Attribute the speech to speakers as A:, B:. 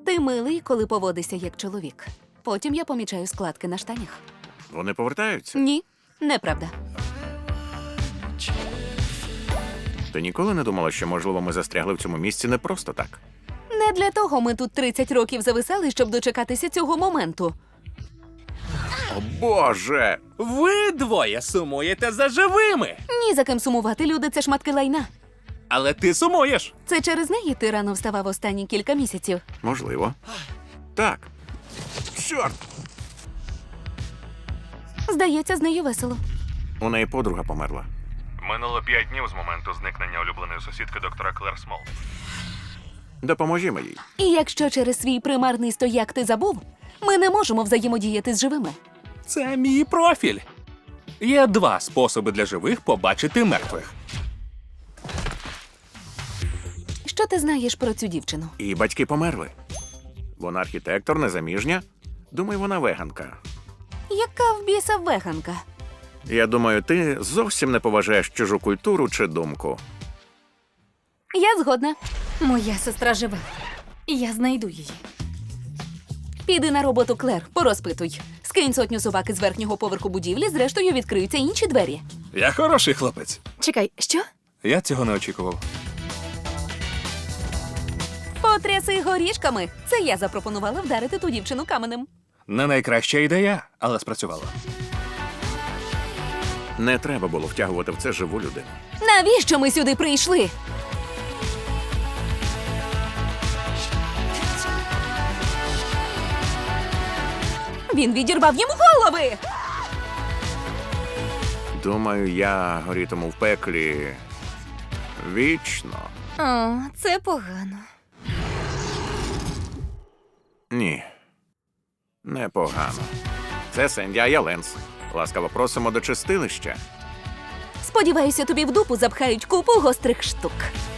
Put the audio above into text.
A: Ти милий, коли поводишся як чоловік. Потім я помічаю складки на штанях.
B: Вони повертаються.
A: Ні, неправда.
B: Ти ніколи не думала, що, можливо, ми застрягли в цьому місці не просто так?
A: Не для того ми тут 30 років зависали, щоб дочекатися цього моменту.
B: О, Боже!
C: Ви двоє сумуєте за живими.
A: Ні за ким сумувати, люди, це шматки лайна.
C: Але ти сумуєш.
A: Це через неї ти рано вставав останні кілька місяців.
B: Можливо. Так. Чорт!
A: Здається, з нею весело.
B: У неї подруга померла.
D: Минуло 5 днів з моменту зникнення улюбленої сусідки доктора Клер Смол.
B: Допоможімо їй.
A: І якщо через свій примарний стояк ти забув, ми не можемо взаємодіяти з живими.
C: Це мій профіль. Є 2 способи для живих побачити мертвих.
A: Що ти знаєш про цю дівчину?
B: І батьки померли. Вона архітектор, незаміжня. Думаю, вона веганка.
A: Яка в біса веганка?
B: Я думаю, ти зовсім не поважаєш чужу культуру чи думку.
A: Я згодна.
E: Моя сестра жива. Я знайду її.
A: Піди на роботу, Клер, порозпитуй. Скинь сотню собак із верхнього поверху будівлі, зрештою відкриються інші двері.
C: Я хороший хлопець.
E: Чекай, що?
C: Я цього не очікував.
A: Потряси горішками. Це я запропонувала вдарити ту дівчину каменем.
C: Не найкраща ідея, але спрацювала.
B: Не треба було втягувати в це живу людину.
A: Навіщо ми сюди прийшли? Він відірвав йому голови!
B: Думаю, я горітиму в пеклі вічно.
E: О, це погано.
B: Ні. Непогано. Це Сенді Аяленс. Ласкаво просимо до чистилища.
A: Сподіваюся, тобі в дупу запхають купу гострих штук.